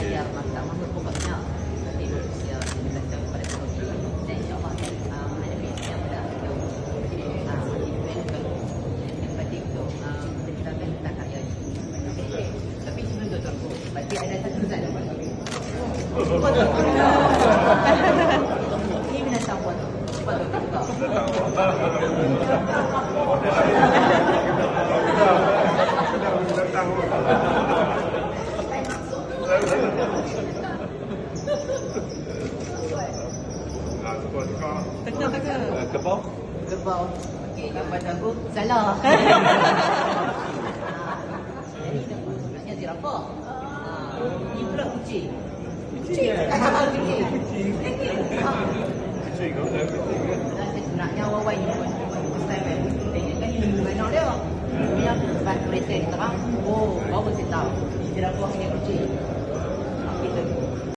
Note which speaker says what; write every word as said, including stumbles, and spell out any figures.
Speaker 1: belajar masak mahmud pokoknya nanti berusia sembilan tahun pada tahun ini dan insyaAllah akan uh, menghadapi yang mudah untuk uh, menjadi yang penting untuk uh, menceritakan tentang karya ini. Okay. Tapi sebelum tu tuanku, berarti ada satu zat ini binatang buat cepat tu buka.
Speaker 2: Teka-teka.
Speaker 3: Kebau?
Speaker 1: Kerbau. Okey, gambar aku salah. Jadi sebenarnya zirafah. Ini pula kucing. Kucing. Kucing.
Speaker 3: Kucing, kau dah kucing kan?
Speaker 1: Dan sebenarnya Wawai ni pun first time kan. Dia kan ini bukan anak dia. Dia lepas kereta ni terang. Oh, baru saya tahu. Zirafah punya kucing.